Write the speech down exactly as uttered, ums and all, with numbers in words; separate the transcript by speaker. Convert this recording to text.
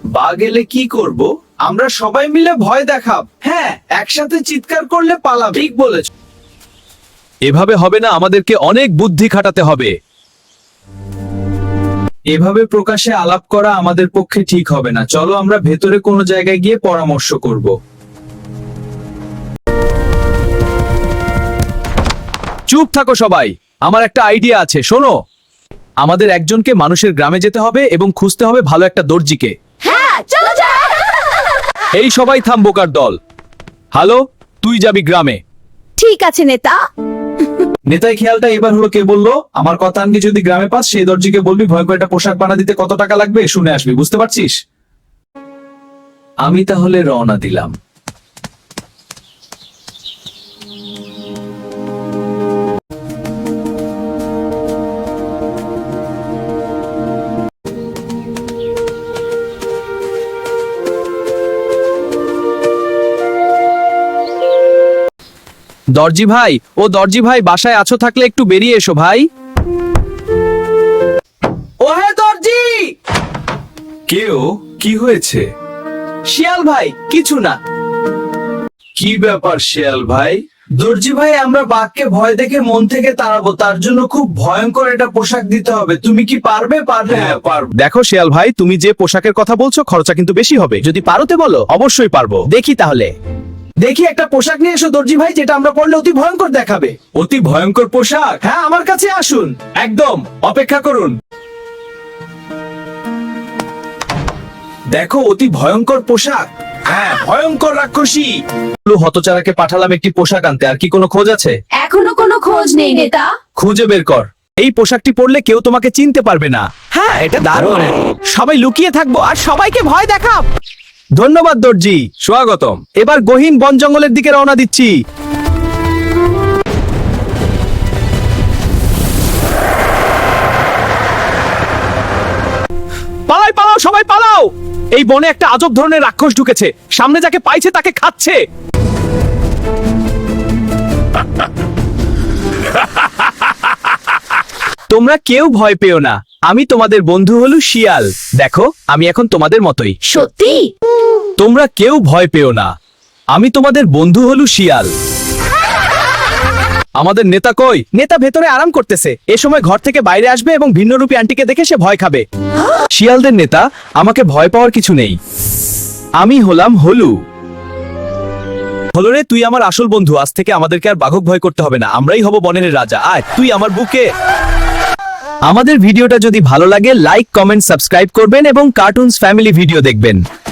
Speaker 1: বাঘ এলে কি করব? আমরা সবাই মিলে ভয় দেখাব। হ্যাঁ, একসাথে চিৎকার করলে পালাবে। ঠিক বলেছ।
Speaker 2: এভাবে হবে না, আমাদেরকে অনেক বুদ্ধি খাটাতে হবে।
Speaker 1: এভাবে প্রকাশ্যে আলাপ করা আমাদের পক্ষে ঠিক হবে না। চলো আমরা ভেতরে কোনো জায়গায় গিয়ে পরামর্শ করব।
Speaker 2: চুপ থাকো সবাই, আমার একটা আইডিয়া আছে, শোনো। আমাদের একজনকে মানুষের গ্রামে যেতে হবে এবং খুঁজতে হবে ভালো একটা দর্জিকে।
Speaker 3: হ্যাঁ, চলো যাই।
Speaker 2: এই সবাই থাম, বোকার দল। হ্যালো, তুই যাবি গ্রামে।
Speaker 3: ঠিক আছে নেতা।
Speaker 1: নেতাই খেয়ালটা এবার হলো কে বললো? আমার কথা আনকি যদি গ্রামে পাস, সেই দর্জিকে বলবি ভয়ঙ্কর একটা পোশাক বানা দিতে কত টাকা লাগবে শুনে আসবি। বুঝতে পারছিস? আমি তাহলে রওনা দিলাম।
Speaker 2: দর্জি ভাই, ও দর্জি ভাই, বাসায় আছো? থাকলে একটু বেরিয়ে এসো ভাই।
Speaker 1: ও হে দর্জি! কেউ? কি হয়েছে? শিয়াল ভাই, কিছু না। কি ব্যাপার শিয়াল ভাই? দর্জি ভাই, আমরা বাঘকে ভয় দেখে মন থেকে তাড়াবো, তার জন্য খুব ভয়ঙ্কর একটা পোশাক দিতে হবে। তুমি কি পারবে? পারবে? হ্যাঁ, পারবো।
Speaker 2: দেখো শিয়াল ভাই, তুমি যে পোশাকের কথা বলছো খরচা কিন্তু বেশি হবে। যদি পারোতে বলো, অবশ্যই পারবো। দেখি তাহলে।
Speaker 1: দেখি একটা পোশাক নিয়ে এসো দর্জি ভাই, যেটা আমরা পরলে অতি ভয়ঙ্কর দেখাবে। অতি ভয়ঙ্কর পোশাক? হ্যাঁ, আমার কাছে আসুন। একদম, অপেক্ষা করুন। দেখো, অতি ভয়ঙ্কর পোশাক। হ্যাঁ, ভয়ঙ্কর রাক্ষসী।
Speaker 2: হতচারাকে পাঠালাম একটি পোশাক আনতে, আর কি কোনো খোঁজ আছে?
Speaker 3: এখনো কোনো খোঁজ নেই নেতা।
Speaker 2: খুঁজে বের কর। এই পোশাকটি পরলে কেউ তোমাকে চিনতে পারবে না। হ্যাঁ, এটা দারুণ। সবাই লুকিয়ে থাকবো আর সবাইকে ভয় দেখাব। ধন্যবাদ দর্জি, স্বাগতম। এবার গহীন বন জঙ্গলের দিকে রওনা দিচ্ছি। পালাই, পালাও সবাই পালাও। এই বনে একটা আজব ধরনের রাক্ষস ঢুকেছে, সামনে যাকে পাইছে তাকে খাচ্ছে। তোমরা কেউ ভয় পেও না, আমি তোমাদের বন্ধু হলু শিয়াল। দেখো, আমি এখন তোমাদের মতোই।
Speaker 3: সত্যি?
Speaker 2: তোমরা কেউ ভয় পেও না, আমি তোমাদের বন্ধু হলু শিয়াল। আমাদের নেতা কই? নেতা ভেতরে আরাম করতেছে। এ সময় ঘর থেকে বাইরে আসবে এবং ভিন্নরূপী আন্টিকে দেখে সে ভয় খাবে। শিয়ালদের নেতা, আমাকে ভয় পাওয়ার কিছু নেই। আমি হলাম হলু। হলো রে, তুই আমার আসল বন্ধু। আজ থেকে আমাদেরকে আর বাঘক ভয় করতে হবে না, আমরাই হব বনের রাজা। আয় তুই আমার বুকে। আমাদের ভিডিওটা যদি ভালো লাগে, লাইক, কমেন্ট, সাবস্ক্রাইব করবেন এবং কার্টুনস ফ্যামিলি ভিডিও দেখবেন।